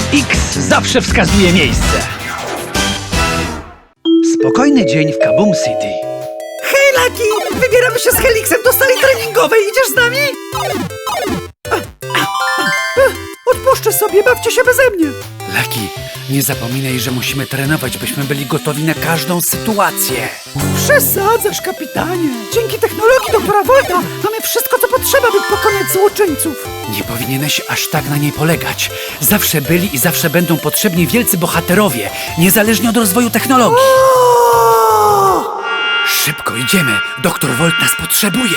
X zawsze wskazuje miejsce. Spokojny dzień w Kaboom City. Hej, Lucky! Wybieramy się z Helixem do sali treningowej. Idziesz z nami? Odpuszczę sobie, bawcie się beze mnie. Lucky, nie zapominaj, że musimy trenować, byśmy byli gotowi na każdą sytuację. Przesadzasz, kapitanie. Dzięki technologii doktora Volta mamy wszystko, co potrzeba, by pokonać złoczyńców. Nie powinieneś aż tak na niej polegać. Zawsze byli i zawsze będą potrzebni wielcy bohaterowie, niezależnie od rozwoju technologii. O! Szybko idziemy, doktor Volt nas potrzebuje.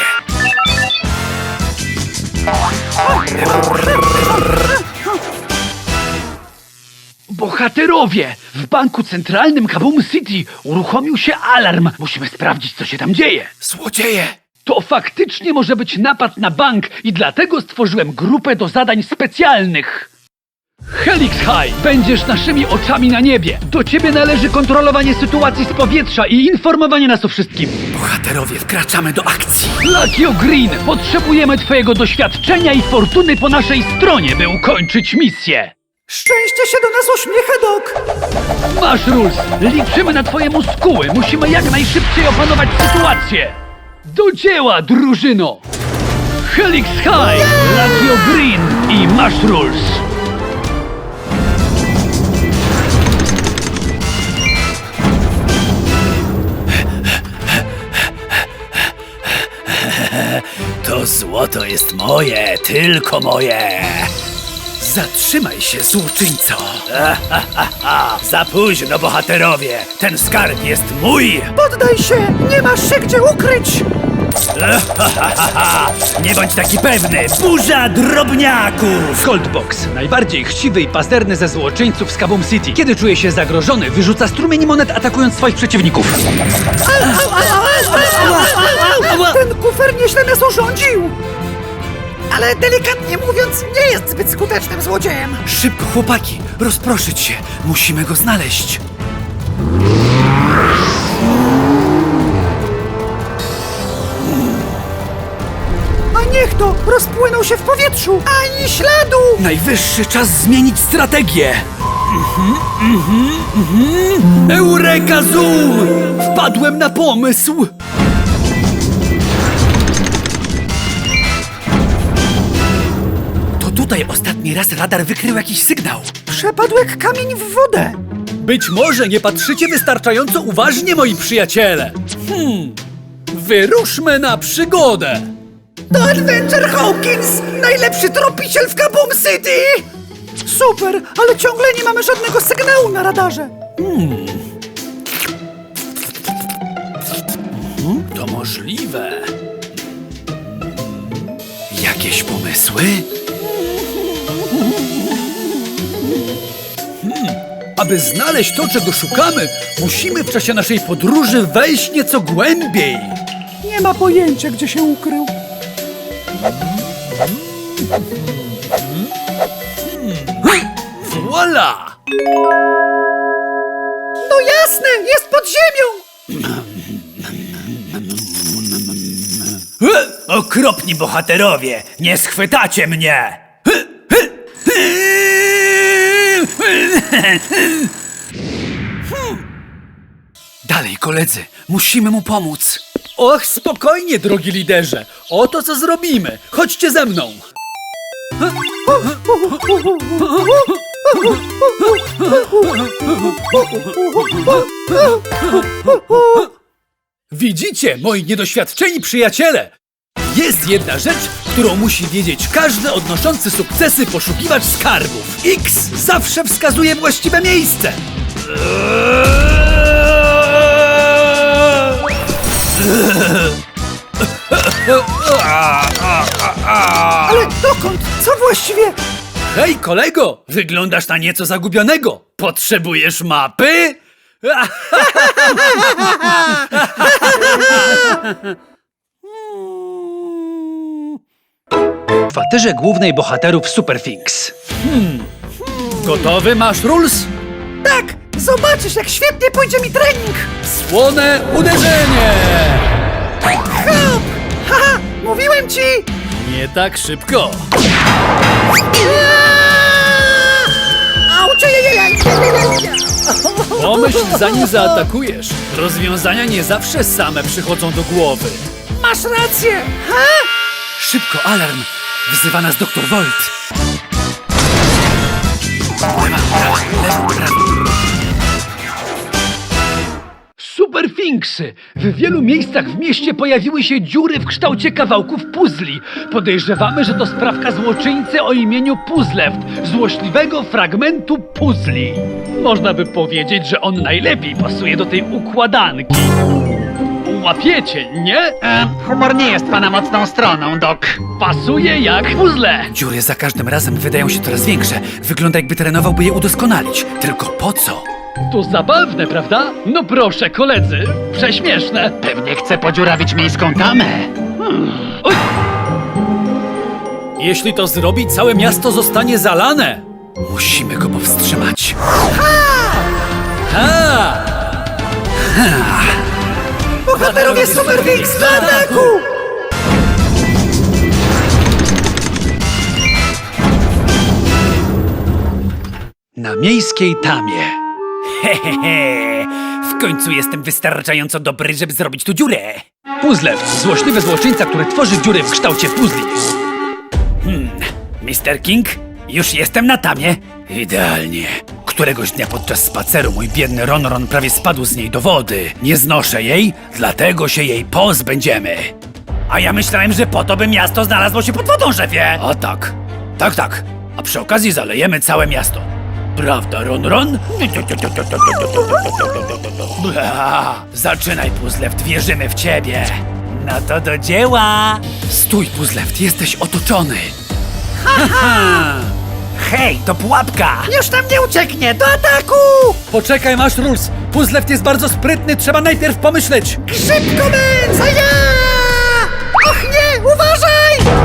Bohaterowie! W banku centralnym Kaboom City uruchomił się alarm. Musimy sprawdzić, co się tam dzieje. Złodzieje! To faktycznie może być napad na bank i dlatego stworzyłem grupę do zadań specjalnych. Helix High, będziesz naszymi oczami na niebie. Do ciebie należy kontrolowanie sytuacji z powietrza i informowanie nas o wszystkim. Bohaterowie, wkraczamy do akcji. Lucky Green, potrzebujemy twojego doświadczenia i fortuny po naszej stronie, by ukończyć misję. Szczęście się do nas uśmiecha, Doc. Masz Rules, liczymy na twoje muskuły. Musimy jak najszybciej opanować sytuację. Do dzieła, drużyno! Helix High, Lucky Green i Masz Rules. To złoto jest moje, tylko moje. Zatrzymaj się, złoczyńco. Za późno, bohaterowie. Ten skarb jest mój. Poddaj się, nie masz się gdzie ukryć. Nie bądź taki pewny. Burza drobniaków. Coldbox, najbardziej chciwy i pazerny ze złoczyńców z Kaboom City. Kiedy czuje się zagrożony, wyrzuca strumień monet, atakując swoich przeciwników. Ten kufer nieźle nas urządził. Ale delikatnie mówiąc, nie jest zbyt skutecznym złodziejem. Szybko, chłopaki. Rozproszyć się. Musimy go znaleźć. A niech to rozpłynął się w powietrzu. Ani śladu. Najwyższy czas zmienić strategię. Eureka Zoom! Wpadłem na pomysł. To tutaj ostatni raz radar wykrył jakiś sygnał. Przepadł jak kamień w wodę. Być może nie patrzycie wystarczająco uważnie, moi przyjaciele. Wyruszmy na przygodę. To Adventure Hawkins, najlepszy tropiciel w Kaboom City. Super, ale ciągle nie mamy żadnego sygnału na radarze. To możliwe. Jakieś pomysły? Aby znaleźć to, czego szukamy, musimy w czasie naszej podróży wejść nieco głębiej. Nie ma pojęcia, gdzie się ukrył. Voila! No jasne, jest pod ziemią. Okropni bohaterowie! Nie schwytacie mnie! Dalej, koledzy, musimy mu pomóc. Och, spokojnie, drogi liderze. Oto co zrobimy. Chodźcie ze mną. Widzicie, moi niedoświadczeni przyjaciele? Jest jedna rzecz, którą musi wiedzieć każdy odnoszący sukcesy poszukiwacz skarbów. X zawsze wskazuje właściwe miejsce. Ale dokąd? Co właściwie? Hej, kolego! Wyglądasz na nieco zagubionego. Potrzebujesz mapy? W kwaterze głównej bohaterów Superfinks. Gotowy, masz Rules? Tak, zobaczysz, jak świetnie pójdzie mi trening. Słone uderzenie! Hop! Haha, mówiłem ci! Nie tak szybko. Ała! Pomyśl, zanim zaatakujesz. Rozwiązania nie zawsze same przychodzą do głowy. Masz rację! Ha? Szybko, alarm! Wzywa nas doktor Volt. Lewo, prawo. Superfinksy! W wielu miejscach w mieście pojawiły się dziury w kształcie kawałków puzli. Podejrzewamy, że to sprawka złoczyńcy o imieniu Puzzleft, złośliwego fragmentu puzli. Można by powiedzieć, że on najlepiej pasuje do tej układanki. Łapiecie, nie? Humor nie jest pana mocną stroną, Doc. Pasuje jak puzzle. Dziury za każdym razem wydają się coraz większe. Wygląda, jakby trenował, by je udoskonalić. Tylko po co? To zabawne, prawda? No proszę, koledzy, prześmieszne. Pewnie chce podziurawić miejską tamę. Oj, Jeśli to zrobi, całe miasto zostanie zalane. Musimy go powstrzymać. Ha! Bohaterowie Superfinks do ataku! Na miejskiej tamie. Hehehe. W końcu jestem wystarczająco dobry, żeby zrobić tu dziurę. Puzzleft, złośliwy złoczyńca, który tworzy dziury w kształcie puzli. Mr. King, już jestem na tamie. Idealnie. Któregoś dnia podczas spaceru mój biedny Ron prawie spadł z niej do wody. Nie znoszę jej, dlatego się jej pozbędziemy. A ja myślałem, że po to by miasto znalazło się pod wodą, szefie. A tak. Tak. A przy okazji zalejemy całe miasto. Prawda, Ron? Bla. Zaczynaj, Puzzleft, wierzymy w ciebie. No to do dzieła. Stój, Puzzleft, jesteś otoczony. Hej, to pułapka! Już tam nie ucieknie! Do ataku! Poczekaj, masz rules. Puzzleft jest bardzo sprytny, trzeba najpierw pomyśleć. Szybko, Benz! A ja! Och nie! Uważaj!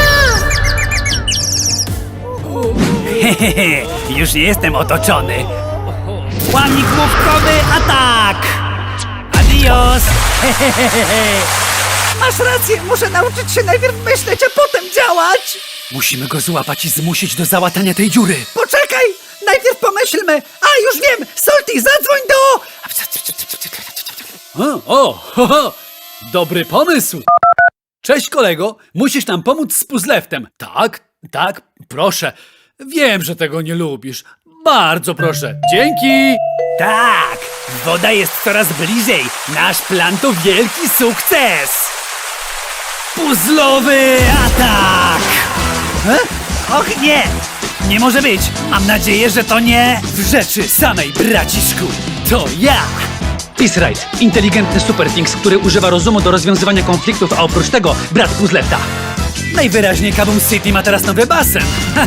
Hehehe, już nie jestem otoczony. Łamnik główkowy, atak! Adios! Masz rację! Muszę nauczyć się najpierw myśleć, a potem działać! Musimy go złapać i zmusić do załatania tej dziury. Poczekaj! Najpierw pomyślmy! A, już wiem! Salty, zadzwoń do... Dobry pomysł. Cześć, kolego. Musisz nam pomóc z Puzzleftem. Tak, proszę. Wiem, że tego nie lubisz. Bardzo proszę. Dzięki. Tak, woda jest coraz bliżej. Nasz plan to wielki sukces. Puzzlowy atak! Och nie! Nie może być! Mam nadzieję, że to nie w rzeczy samej, braciszku! To ja! Peace Ride, inteligentny Superfinks, który używa rozumu do rozwiązywania konfliktów, a oprócz tego brat Puzzlefta. Najwyraźniej Kaboom City ma teraz nowy basen!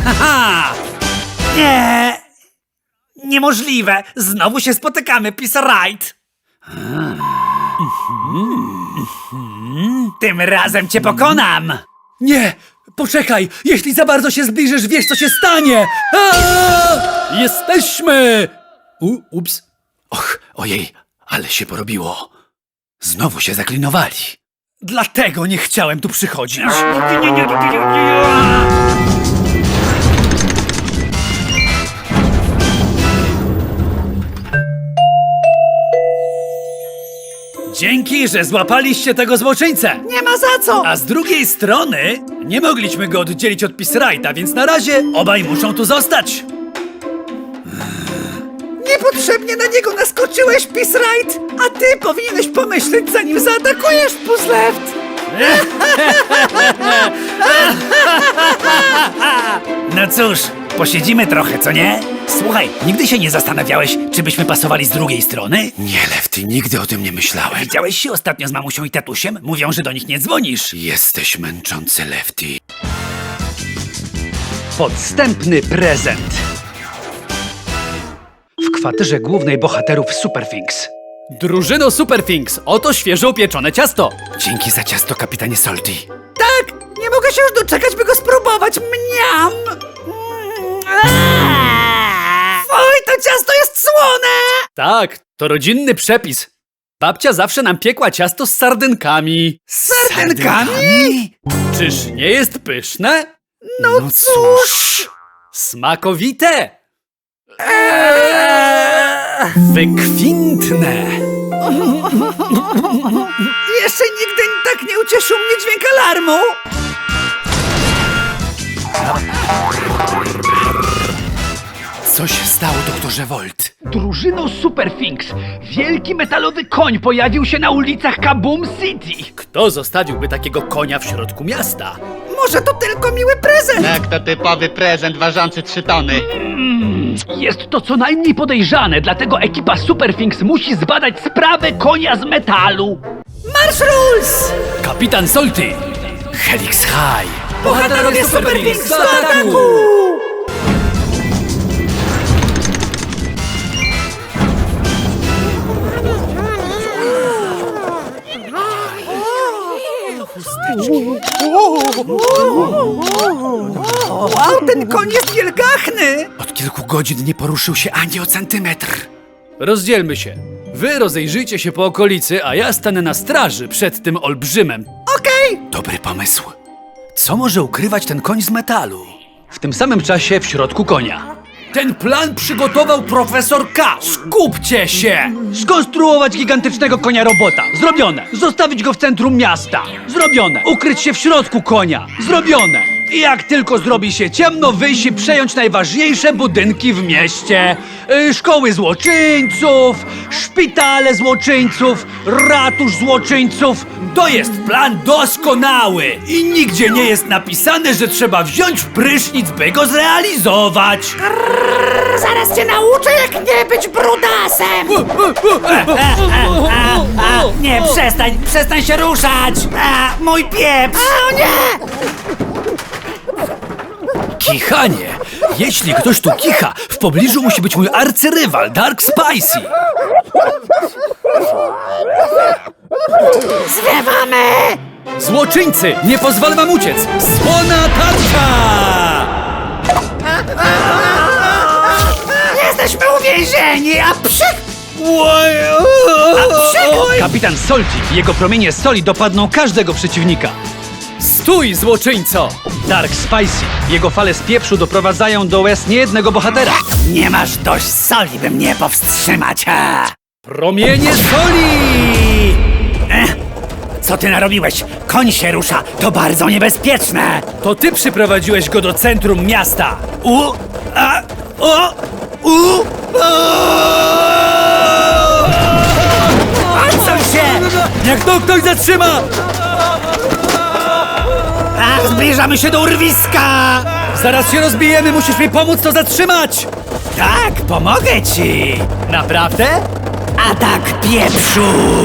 Nie! Niemożliwe! Znowu się spotykamy, Peace Ride! Tym razem cię pokonam! Nie! Poczekaj! Jeśli za bardzo się zbliżysz, wiesz, co się stanie! Jesteśmy! Ups! Och, ojej, ale się porobiło. Znowu się zaklinowali. Dlatego nie chciałem tu przychodzić. Dzięki, że złapaliście tego złoczyńcę! Nie ma za co! A z drugiej strony nie mogliśmy go oddzielić od Pisrajta, więc na razie obaj muszą tu zostać. Niepotrzebnie na niego naskoczyłeś, Peace Ride! A ty powinieneś pomyśleć, zanim zaatakujesz, Puzzleft! No cóż, posiedzimy trochę, co nie? Słuchaj, nigdy się nie zastanawiałeś, czy byśmy pasowali z drugiej strony? Nie, Lefty, nigdy o tym nie myślałem. Widziałeś się ostatnio z mamusią i tatusiem? Mówią, że do nich nie dzwonisz. Jesteś męczący, Lefty. Podstępny prezent. W kwaterze głównej bohaterów Superfinks. Drużyno Superfinks, oto świeżo upieczone ciasto. Dzięki za ciasto, kapitanie Salty. Tak! Nie mogę się już doczekać, by go spróbować! Mniam! Oj, to ciasto jest słone! Tak, to rodzinny przepis. Babcia zawsze nam piekła ciasto z sardynkami. Sardynkami? Czyż nie jest pyszne? No cóż! Smakowite! Wykwintne! Jeszcze nigdy tak nie ucieszył mnie dźwięk alarmu! Co się stało, doktorze Volt? Drużyno Superfinks, wielki metalowy koń pojawił się na ulicach Kaboom City. Kto zostawiłby takiego konia w środku miasta? Może to tylko miły prezent! Tak, to typowy prezent ważący 3 tony. Jest to co najmniej podejrzane, dlatego ekipa Superfinks musi zbadać sprawę konia z metalu. Marsz Rules! Kapitan Solty! Helix High! Bohaterowie Superfinks do ataku! Wow, ten koń jest wielgachny! Od kilku godzin nie poruszył się ani o centymetr. Rozdzielmy się. Wy rozejrzyjcie się po okolicy, a ja stanę na straży przed tym olbrzymem. Okej! Dobry pomysł. Co może ukrywać ten koń z metalu? W tym samym czasie w środku konia. Ten plan przygotował profesor K. Skupcie się! Skonstruować gigantycznego konia robota. Zrobione. Zostawić go w centrum miasta. Zrobione. Ukryć się w środku konia. Zrobione. I jak tylko zrobi się ciemno, wyjść i przejąć najważniejsze budynki w mieście. Szkoły złoczyńców, szpitale złoczyńców, ratusz złoczyńców. To jest plan doskonały i nigdzie nie jest napisane, że trzeba wziąć prysznic, by go zrealizować. Zaraz cię nauczę, jak nie być brudasem! Nie, przestań się ruszać! Mój pieprz! O nie! Kichanie! Jeśli ktoś tu kicha, w pobliżu musi być mój arcyrywal, Dark Spicy! Zwiewamy! Złoczyńcy! Nie pozwolę wam uciec! Słona tarcza! Jesteśmy uwięzieni, a psik! Kapitan Soltik i jego promienie soli dopadną każdego przeciwnika. Stój, złoczyńco! Dark Spicy. Jego fale z pieprzu doprowadzają do łez niejednego bohatera. Nie masz dość soli, by mnie powstrzymać, Promienie soli! Co ty narobiłeś? Koń się rusza, to bardzo niebezpieczne! To ty przyprowadziłeś go do centrum miasta! Odsuń się! Niech to ktoś zatrzyma! Ach, zbliżamy się do urwiska! Zaraz się rozbijemy, musisz mi pomóc to zatrzymać! Tak, pomogę ci! Naprawdę? Atak pieprzu!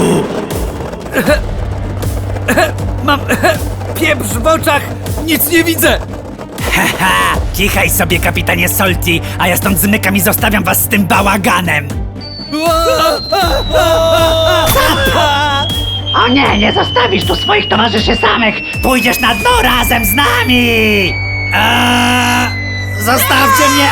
Mam pieprz w oczach, nic nie widzę! Haha, kichaj sobie, kapitanie Solti, a ja stąd zmykam i zostawiam was z tym bałaganem! O nie, nie zostawisz tu swoich towarzyszy samych! Pójdziesz na dno razem z nami! Zostawcie mnie!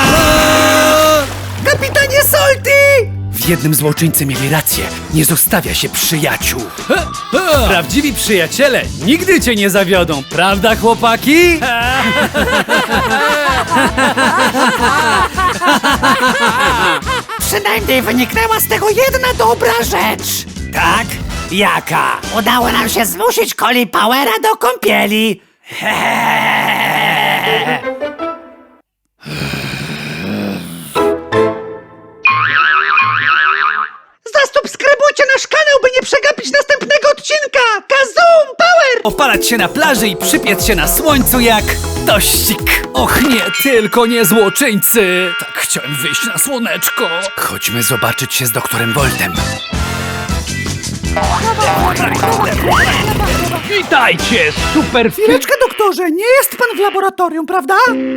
Kapitanie Solti! W jednym złoczyńcy mieli rację, nie zostawia się przyjaciół. Prawdziwi przyjaciele nigdy cię nie zawiodą, prawda, chłopaki? Przynajmniej wyniknęła z tego jedna dobra rzecz. Tak? Jaka? Udało nam się zmusić Coli Powera do kąpieli. Zasubskrybujcie nasz kanał, by nie przegapić następnego odcinka! Kazoom Power! Opalać się na plaży i przypiec się na słońcu jak tościk. Och nie, tylko nie złoczyńcy. Tak chciałem wyjść na słoneczko. Chodźmy zobaczyć się z doktorem Voltem. Witajcie, Superfinks. Chwileczkę, doktorze, nie jest pan w laboratorium, prawda?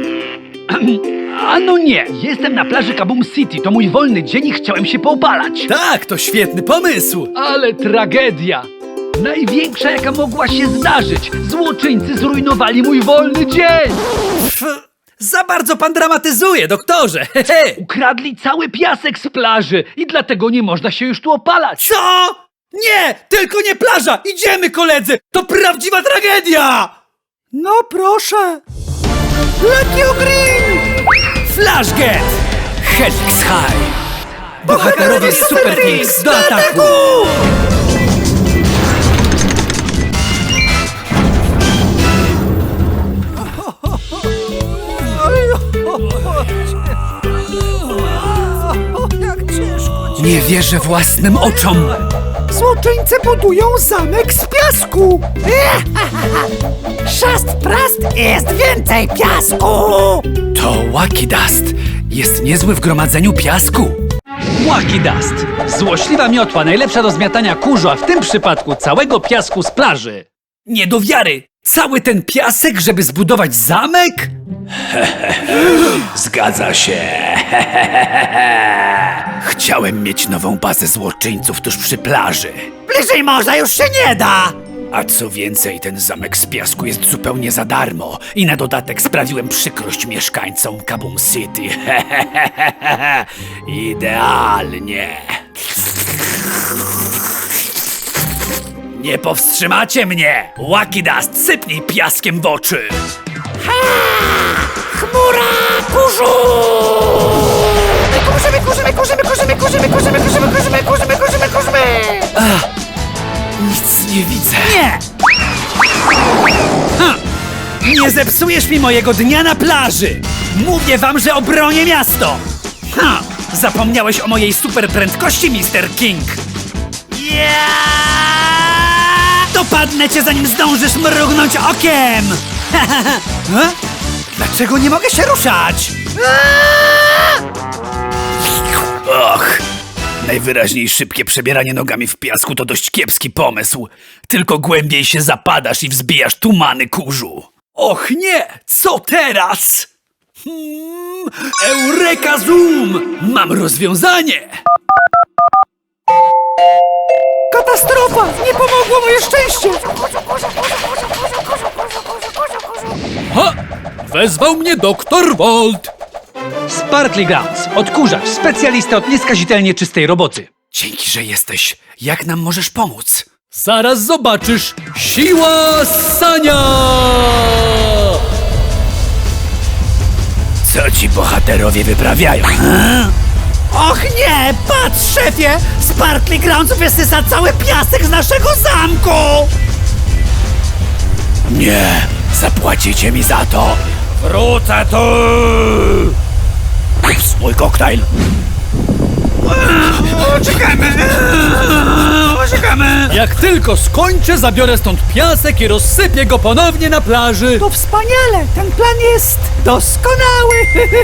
A no nie, jestem na plaży Kaboom City, to mój wolny dzień i chciałem się poopalać. Tak, to świetny pomysł. Ale tragedia! Największa, jaka mogła się zdarzyć. Złoczyńcy zrujnowali mój wolny dzień. Za bardzo pan dramatyzuje, doktorze. Hehe. Ukradli cały piasek z plaży i dlatego nie można się już tu opalać. Co? Nie, tylko nie plaża. Idziemy, koledzy. To prawdziwa tragedia. No proszę. Lucky Green! Flashget! Helix High! Bohaterowie Super Things do ataku! Jak ciężko. Nie wierzę własnym oczom! Złoczyńcy budują zamek z piasku. Szast prast jest więcej piasku. To Wacky Dust jest niezły w gromadzeniu piasku. Wacky Dust. Złośliwa miotła, najlepsza do zmiatania kurzu, a w tym przypadku całego piasku z plaży. Nie do wiary! Cały ten piasek, żeby zbudować zamek? Zgadza się. Chciałem mieć nową bazę złoczyńców tuż przy plaży. Bliżej morza już się nie da. A co więcej, ten zamek z piasku jest zupełnie za darmo i na dodatek sprawiłem przykrość mieszkańcom Kaboom City. Idealnie. Nie powstrzymacie mnie! Wacky Dust, sypnij piaskiem w oczy! Chmura kurzu. Kurzymy. Nic nie widzę. Nie. Nie zepsujesz mi mojego dnia na plaży! Mówię wam, że obronię miasto! Zapomniałeś o mojej super prędkości, Mr. King! Dopadnę cię, zanim zdążysz mrugnąć okiem! Dlaczego nie mogę się ruszać? Och! Najwyraźniej szybkie przebieranie nogami w piasku to dość kiepski pomysł. Tylko głębiej się zapadasz i wzbijasz tumany kurzu. Och nie! Co teraz? Eureka Zoom! Mam rozwiązanie! Katastrofa! Nie pomogło moje szczęście! Ha! Wezwał mnie doktor Volt. Sparkly Grounds. Odkurzacz. Specjalista od nieskazitelnie czystej roboty. Dzięki, że jesteś. Jak nam możesz pomóc? Zaraz zobaczysz. Siła ssania! Co ci bohaterowie wyprawiają? Och nie! Patrz, szefie! Sparkly Grounds wysysa cały piasek z naszego zamku! Nie! Zapłacicie mi za to! Wrócę tu! Ups, mój koktajl! Uciekamy! Jak tylko skończę, zabiorę stąd piasek i rozsypię go ponownie na plaży. To wspaniale! Ten plan jest doskonały!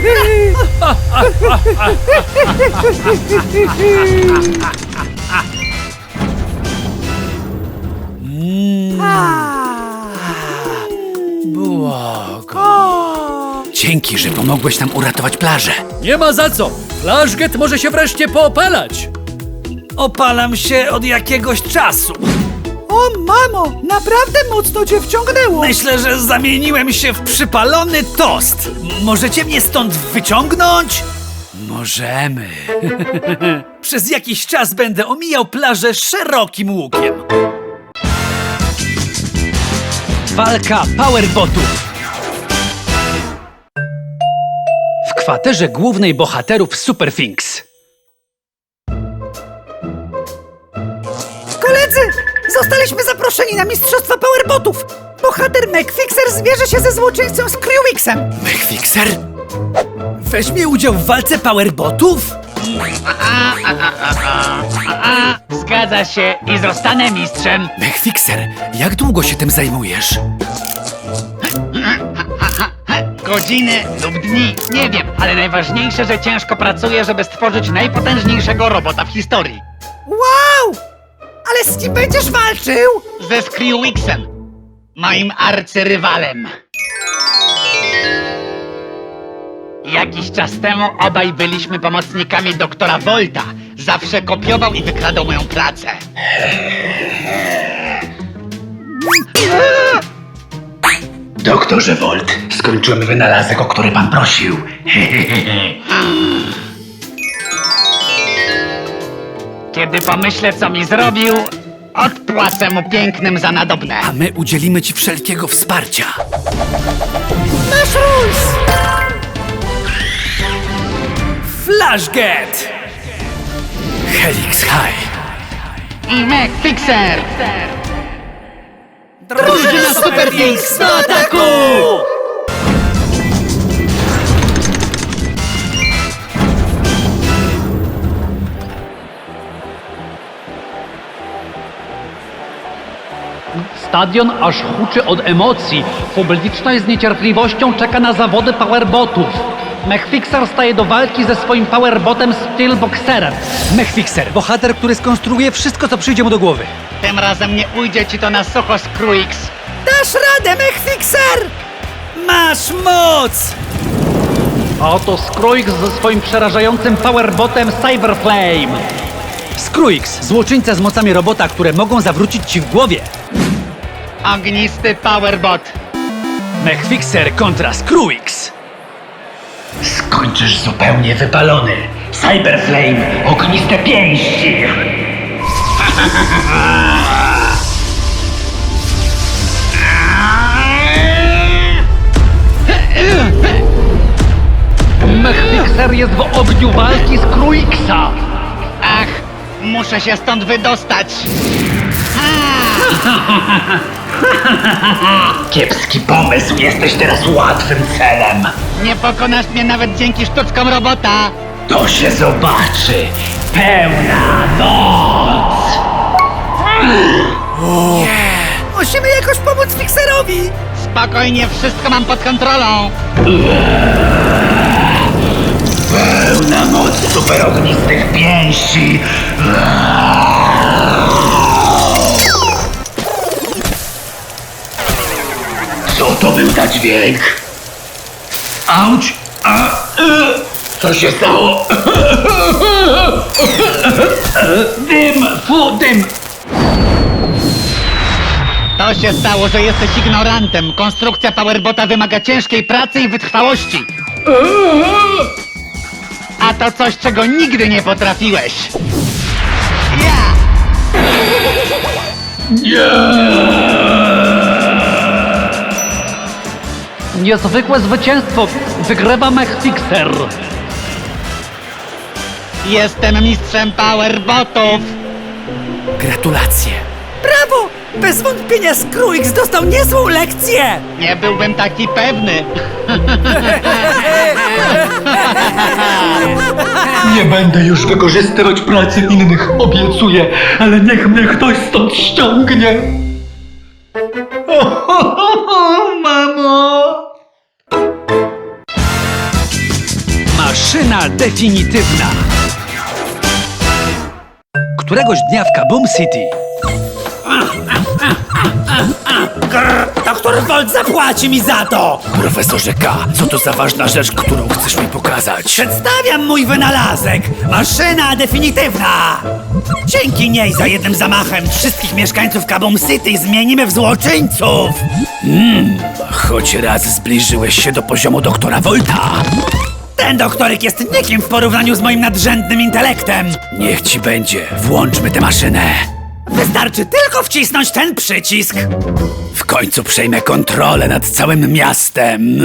Dzięki, że pomogłeś nam uratować plażę. Nie ma za co. Flashget może się wreszcie poopalać. Opalam się od jakiegoś czasu. O mamo! Naprawdę mocno cię wciągnęło! Myślę, że zamieniłem się w przypalony tost. Możecie mnie stąd wyciągnąć? Możemy. Przez jakiś czas będę omijał plażę szerokim łukiem. Walka powerbotów. W kwaterze głównej bohaterów Super Things. Koledzy! Zostaliśmy zaproszeni na Mistrzostwa Powerbotów! Bohater McFixer zmierzy się ze złoczyńcą Screwixem! Mechfixer? Weźmie udział w walce powerbotów? Zgadza się i zostanę mistrzem. Mechfixer, jak długo się tym zajmujesz? Godziny lub dni, nie wiem, ale najważniejsze, że ciężko pracuję, żeby stworzyć najpotężniejszego robota w historii. Wow! Ale z kim będziesz walczył? Ze Screwixem, moim arcyrywalem. Jakiś czas temu obaj byliśmy pomocnikami doktora Volta. Zawsze kopiował i wykradał moją pracę. Doktorze Volt, skończyłem wynalazek, o który pan prosił. Kiedy pomyślę, co mi zrobił, odpłacę mu pięknym za nadobne. A my udzielimy ci wszelkiego wsparcia. Nasz Rules! Flashget! Helix High. I Mech Fixer! Drużyna Super Wings do ataku! Stadion aż huczy od emocji. Publiczność z niecierpliwością czeka na zawody powerbotów. Mechfixer staje do walki ze swoim powerbotem Steelboxerem. Mechfixer, bohater, który skonstruuje wszystko, co przyjdzie mu do głowy. Tym razem nie ujdzie ci to na sucho, Skruix. Dasz radę, Mechfixer! Masz moc! A oto Skruix ze swoim przerażającym powerbotem Cyberflame. Skruix, złoczyńca z mocami robota, które mogą zawrócić ci w głowie. Ognisty Powerbot. Mechfixer kontra Skruix. Skończysz zupełnie wypalony. Cyberflame, ogniste pięści. Mechfixer jest w ogniu walki Skruixa. Ach, muszę się stąd wydostać. Kiepski pomysł, jesteś teraz łatwym celem. Nie pokonasz mnie nawet dzięki sztuczkom robota. To się zobaczy. Pełna noc. Musimy jakoś pomóc Fixerowi! Spokojnie, wszystko mam pod kontrolą. Pełna moc superognistych pięści. Co to był za dźwięk? Auć! Co się stało? Dym! Fu, dym! To się stało, że jesteś ignorantem. Konstrukcja Powerbota wymaga ciężkiej pracy i wytrwałości. A to coś, czego nigdy nie potrafiłeś. Ja! Niezwykłe zwycięstwo. Wygrywa Mechfixer. Jestem mistrzem Powerbotów. Gratulacje. Brawo! Bez wątpienia Skruix dostał niezłą lekcję! Nie byłbym taki pewny. Nie będę już wykorzystywać pracy innych, obiecuję, ale niech mnie ktoś stąd ściągnie. Mamo! Maszyna definitywna. Któregoś dnia w Kaboom City. Doktor Volt zapłaci mi za to! Profesorze K, co to za ważna rzecz, którą chcesz mi pokazać? Przedstawiam mój wynalazek! Maszyna definitywna! Dzięki niej za jednym zamachem wszystkich mieszkańców Kaboom City zmienimy w złoczyńców! Choć raz zbliżyłeś się do poziomu doktora Volta. Ten doktoryk jest nikim w porównaniu z moim nadrzędnym intelektem! Niech ci będzie, włączmy tę maszynę. Wystarczy tylko wcisnąć ten przycisk! W końcu przejmę kontrolę nad całym miastem.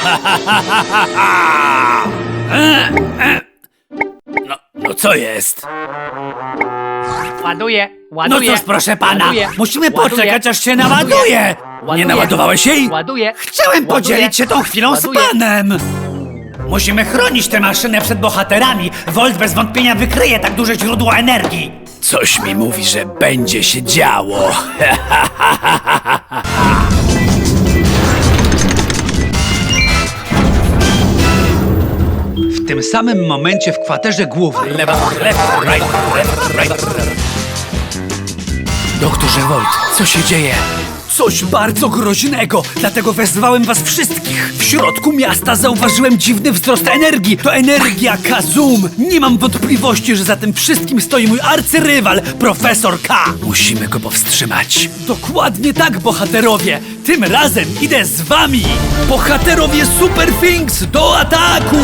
No co jest? Ładuję, No ładuję. cóż, proszę pana, Ładuję. musimy Ładuję. poczekać, aż się naładuje! Nie naładowałeś jej? Ładuję. Chciałem podzielić się tą chwilą Ładuję. z panem! Musimy chronić tę maszynę przed bohaterami. Volt bez wątpienia wykryje tak duże źródło energii. Coś mi mówi, że będzie się działo. W tym samym momencie w kwaterze głównej. Doktorze Volt, co się dzieje? Coś bardzo groźnego, dlatego wezwałem was wszystkich. W środku miasta zauważyłem dziwny wzrost energii. To energia Kazum. Nie mam wątpliwości, że za tym wszystkim stoi mój arcyrywal, Profesor K. Musimy go powstrzymać. Dokładnie tak, bohaterowie. Tym razem idę z wami. Bohaterowie Super Things do ataku!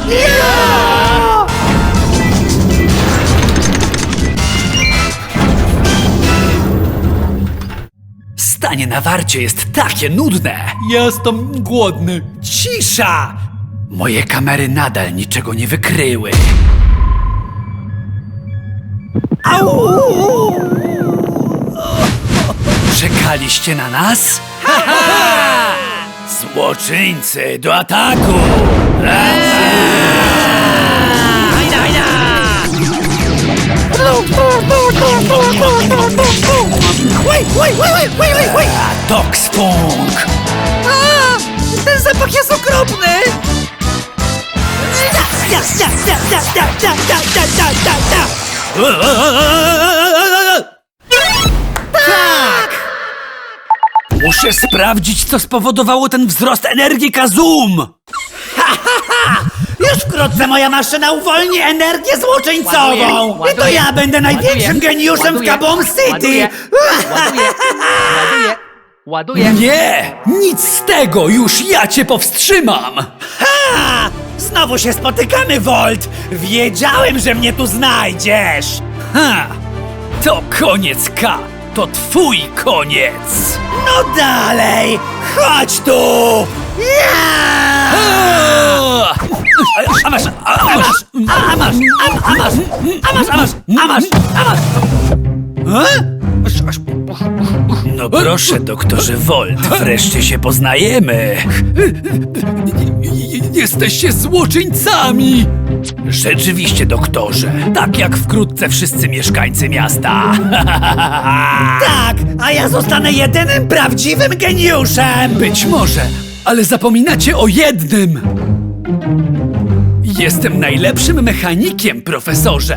Stanie na warcie jest takie nudne. Jestem głodny. Cisza! Moje kamery nadal niczego nie wykryły. Czekaliście na nas? Złoczyńcy, do ataku! Toxfunk! Ten zapach jest okropny! Muszę sprawdzić, co spowodowało ten wzrost energii Kazum! Już wkrótce moja maszyna uwolni energię złoczyńcową! Ładuję, I to ja będę największym geniuszem w Kaboom City! Ładuję. Nie! Nic z tego! Już ja cię powstrzymam! Ha! Znowu się spotykamy, Volt! Wiedziałem, że mnie tu znajdziesz! Ha! To koniec K! To twój koniec! No dalej! Chodź tu! Ja! A masz! A masz! A masz! A masz! A masz! A masz! A masz! A masz! No proszę, doktorze Volt, wreszcie się poznajemy. Jesteście złoczyńcami! Rzeczywiście, doktorze. Tak jak wkrótce wszyscy mieszkańcy miasta. Tak! A ja zostanę jedynym prawdziwym geniuszem! Być może, ale zapominacie o jednym. Jestem najlepszym mechanikiem, profesorze.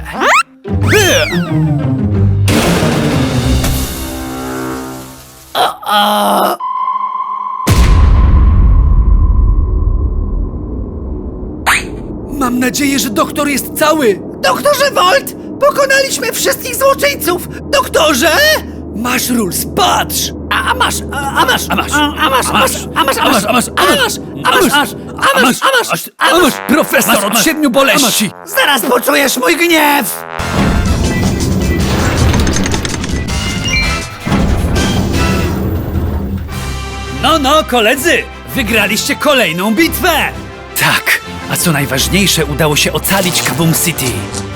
Mam nadzieję, że doktor jest cały. Doktorze Volt! Pokonaliśmy wszystkich złoczyńców! Doktorze! Masz rules, patrz! A masz! A masz! A masz! A masz! A masz! A masz! A masz! A masz! A masz! A masz! A masz! A masz! A masz! Profesor od 7 boleści! Zaraz poczujesz mój gniew! No, koledzy! Wygraliście kolejną bitwę! Tak, a co najważniejsze, udało się ocalić Kaboom City.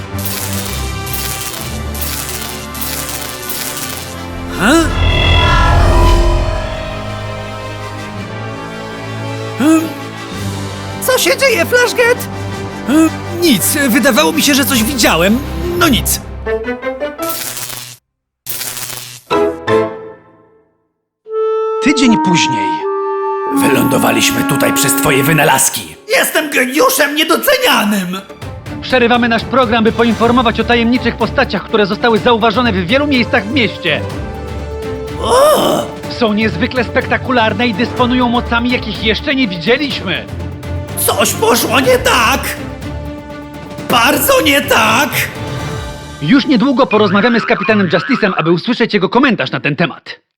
Co się dzieje, Flashget? Nic, wydawało mi się, że coś widziałem. No nic. Tydzień później. Wylądowaliśmy tutaj przez twoje wynalazki. Jestem geniuszem niedocenianym! Przerywamy nasz program, by poinformować o tajemniczych postaciach, które zostały zauważone w wielu miejscach w mieście. Są niezwykle spektakularne i dysponują mocami, jakich jeszcze nie widzieliśmy. Coś poszło nie tak! Bardzo nie tak! Już niedługo porozmawiamy z kapitanem Justice'em, aby usłyszeć jego komentarz na ten temat.